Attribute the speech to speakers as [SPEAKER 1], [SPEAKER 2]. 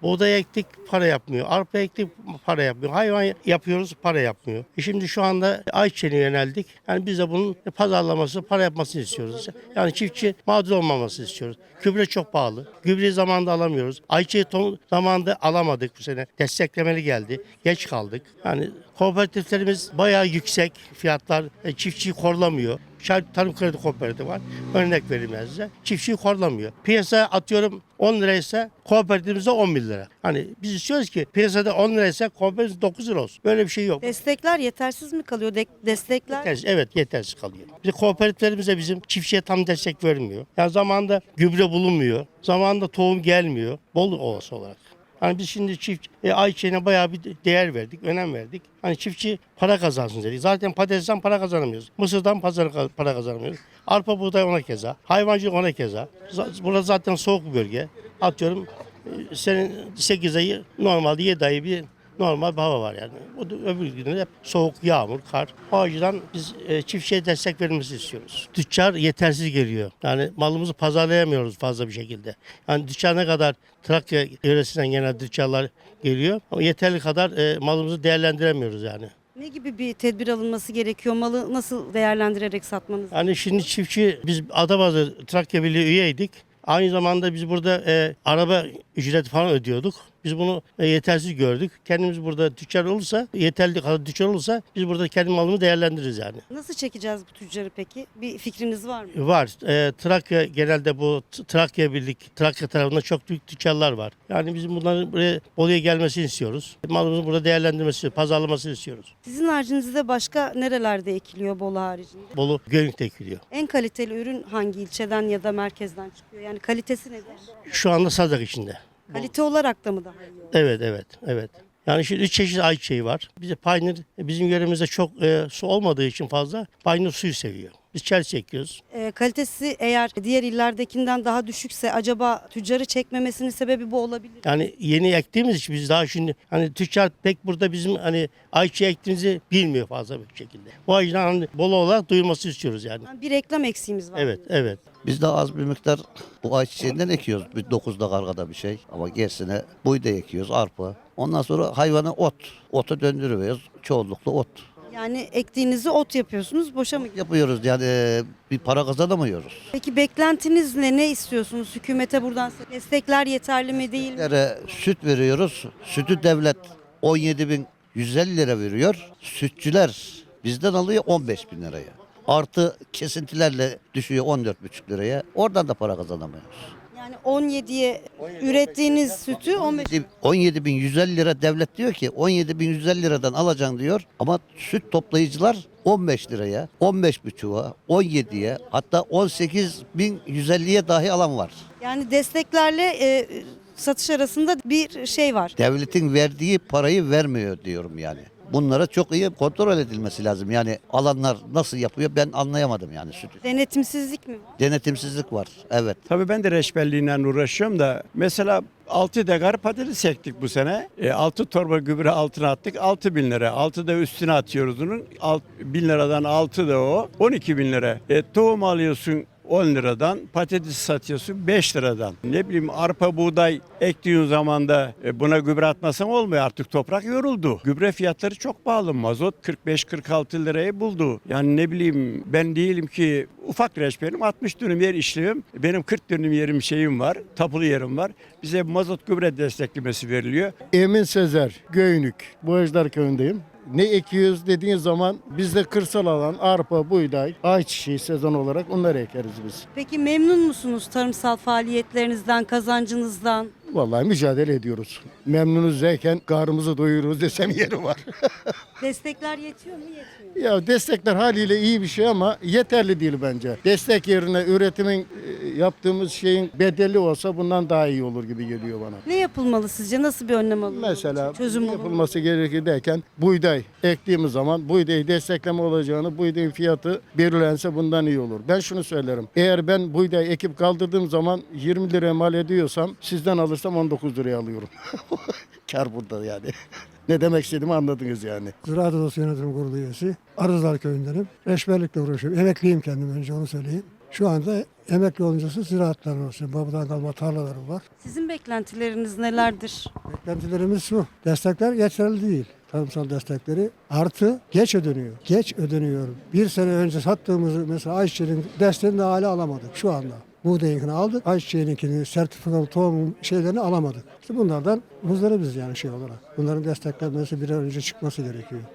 [SPEAKER 1] Buğday ektik, para yapmıyor. Arpa ektik, para yapmıyor. Hayvan yapıyoruz, para yapmıyor. Şimdi şu anda ayçiçeğine yöneldik. Yani biz de bunun pazarlaması, para yapmasını istiyoruz. Yani çiftçi mağdur olmamasını istiyoruz. Gübre çok pahalı. Gübreyi zamanında alamıyoruz. Ayçiçeği zamanında alamadık bu sene. Desteklemeli geldi. Geç kaldık. Yani kooperatiflerimiz bayağı yüksek fiyatlar. Çiftçiyi korlamıyor. Tarım Kredi Kooperatifi var. Örnek vereyim ben size. Çiftçiyi korlamıyor. Piyasa atıyorum 10 liraysa kooperatifimizde 11 lira. Hani biz istiyoruz ki piyasada 10 liraysa kooperatif 9 lira olsun. Böyle bir şey yok.
[SPEAKER 2] Destekler yetersiz mi kalıyor? Destekler
[SPEAKER 1] Yetersiz, evet yetersiz kalıyor. Bir de kooperatiflerimiz de bizim çiftçiye tam destek vermiyor. Yani zamanında gübre bulunmuyor. Zamanında tohum gelmiyor. Bol olası olarak. Hani biz şimdi ayçiçeğine bayağı bir değer verdik, önem verdik. Hani çiftçi para kazansın dedik. Zaten patatesten para kazanamıyoruz. Mısırdan para kazanamıyoruz. Arpa buğday ona keza. Hayvancılık ona keza. Burası zaten soğuk bir bölge. Atıyorum senin 8 ayı normalde 7 ayı bir normal bir hava var yani. Öbür günde hep soğuk, yağmur, kar. O açıdan biz çiftçiye destek verilmesini istiyoruz. Tüccar yetersiz geliyor. Yani malımızı pazarlayamıyoruz fazla bir şekilde. Yani tüccar ne kadar Trakya yöresinden genel tüccarlar geliyor ama yeterli kadar malımızı değerlendiremiyoruz yani.
[SPEAKER 2] ne gibi bir tedbir alınması gerekiyor? Malı nasıl değerlendirerek satmanız?
[SPEAKER 1] Yani şimdi çiftçi biz Adapazarı Trakya Birliği üyeydik. Aynı zamanda biz burada araba ücreti falan ödüyorduk. Biz bunu yetersiz gördük. Kendimiz burada tüccar olursa, yeterli kadar tüccar olursa biz burada kendi malımızı değerlendiririz yani.
[SPEAKER 2] Nasıl çekeceğiz bu tüccarı peki? Bir fikriniz var mı?
[SPEAKER 1] Var. Trakya genelde bu Trakya Birlik, Trakya tarafında çok büyük tüccarlar var. Yani bizim bunların buraya Bolu'ya gelmesini istiyoruz. Malımızı burada değerlendirmesini, pazarlamasını istiyoruz.
[SPEAKER 2] Sizin haricinizde başka nerelerde ekiliyor Bolu haricinde?
[SPEAKER 1] Bolu Göynük'te ekiliyor.
[SPEAKER 2] En kaliteli ürün hangi ilçeden ya da merkezden çıkıyor? Yani kalitesi nedir?
[SPEAKER 1] Şu anda Sazak içinde.
[SPEAKER 2] Kalite olarak da mı daha iyi olur?
[SPEAKER 1] Evet. Yani şimdi 3 çeşit ayçiçeği var. Bize Pioneer bizim yöremizde çok su olmadığı için fazla Pioneer suyu seviyor. Biz Chelsea ekiyoruz.
[SPEAKER 2] Kalitesi eğer diğer illerdekinden daha düşükse acaba tüccarı çekmemesinin sebebi bu olabilir mi?
[SPEAKER 1] Yani yeni ektiğimiz için biz daha şimdi hani tüccar pek burada bizim hani ayçiçeği ektiğimizi bilmiyor fazla bir şekilde. Bu yüzden hani Bolu olarak duyulması istiyoruz yani.
[SPEAKER 2] Yani bir reklam eksiğimiz var.
[SPEAKER 1] Evet.
[SPEAKER 3] Biz de az bir miktar bu ayçiçeğinden ekiyoruz. Bir 9'da kargada bir şey. Ama gerisine buğday ekiyoruz, arpa. Ondan sonra hayvana ot. Ota döndürüyoruz. Çoğunlukla ot.
[SPEAKER 2] Yani ektiğinizi ot yapıyorsunuz, boşa mı gidiyor?
[SPEAKER 3] Yapıyoruz yani bir para kazanamıyoruz.
[SPEAKER 2] Peki beklentiniz ne? Ne istiyorsunuz? Hükümete buradan destekler yeterli mi değil mi?
[SPEAKER 3] Süt veriyoruz. Sütü devlet 17.150 lira veriyor. Sütçüler bizden alıyor 15.000 liraya. Artı kesintilerle düşüyor 14,5 liraya. Oradan da para kazanamıyoruz.
[SPEAKER 2] Yani 17'ye ürettiğiniz sütü 15.
[SPEAKER 3] 17.150 lira devlet diyor ki 17.150 liradan alacaksın diyor. Ama süt toplayıcılar 15 liraya, 15,5'a, 17'ye hatta 18.150'ye dahi alan var.
[SPEAKER 2] Yani desteklerle satış arasında bir şey var.
[SPEAKER 3] Devletin verdiği parayı vermiyor diyorum yani. Bunlara çok iyi kontrol edilmesi lazım. Yani alanlar nasıl yapıyor ben anlayamadım yani sütü.
[SPEAKER 2] Denetimsizlik mi var?
[SPEAKER 3] Denetimsizlik var. Evet.
[SPEAKER 4] Tabii ben de reçberliğiyle uğraşıyorum da mesela 6 dekar patates ektik bu sene. 6 torba gübre altına attık 6.000 lira. 6 da üstüne atıyoruz onun. 1.000 liradan 6 da o 12.000 lira. Tohum alıyorsun 10 liradan, patates satıyorsun 5 liradan. Ne bileyim arpa buğday ektiğin zaman da buna gübre atmasan olmuyor, artık toprak yoruldu. Gübre fiyatları çok pahalı. Mazot 45-46 liraya buldu. Yani ne bileyim ben değilim ki ufak reçberim 60 dönüm yer işliyorum. Benim 40 dönüm yerim şeyim var, tapulu yerim var. Bize mazot gübre desteklemesi veriliyor.
[SPEAKER 5] Emin Sezer, Göynük, Boğazlar köyündeyim. Ne ekiyoruz dediğin zaman bizde kırsal alan arpa, buğday, ayçiçeği sezon olarak onları ekeriz biz.
[SPEAKER 2] Peki memnun musunuz tarımsal faaliyetlerinizden, kazancınızdan?
[SPEAKER 5] Vallahi mücadele ediyoruz. Memnunuz derken karnımızı doyuruyoruz desem yeri var.
[SPEAKER 2] Destekler yetiyor mu, yetmiyor mu?
[SPEAKER 5] Ya destekler haliyle iyi bir şey ama yeterli değil bence. Destek yerine üretimin yaptığımız şeyin bedeli olsa bundan daha iyi olur gibi geliyor bana.
[SPEAKER 2] Ne yapılmalı sizce? Nasıl bir önlem alınmalı?
[SPEAKER 5] Mesela
[SPEAKER 2] Çözüm bulunmalı.
[SPEAKER 5] yapılması gerekir derken buğday ektiğimiz zaman buğdayı destekleme olacağını, buğdayın fiyatı belirlense bundan iyi olur. Ben şunu söylerim. Eğer ben buğday ekip kaldırdığım zaman 20 liraya mal ediyorsam sizden alırsam 19 liraya alıyorum. Kar burada yani. Ne demek istediğimi anladınız yani.
[SPEAKER 6] Ziraat Odası Yönetim Kurulu üyesi. Arızlar köyündenim. Reçberlikle uğraşıyorum. Emekliyim kendim önce onu söyleyeyim. Şu anda emekli oluncası ziraatlarım olsun. Babadan kalma tarlalarım var.
[SPEAKER 2] Sizin beklentileriniz nelerdir?
[SPEAKER 6] Beklentilerimiz şu. Destekler yeterli değil. Tarımsal destekleri artı geç ödeniyor. Geç ödeniyor. Bir sene önce sattığımız mesela ayçiçeğinin desteğini de hala alamadık şu anda. Buğdayınkini aldık. Ayçiçeğininkini, sertifikalı tohum şeylerini alamadık. İşte bunlardan muzdaribiz yani şey olarak. Bunların desteklenmesi bir an önce çıkması gerekiyor.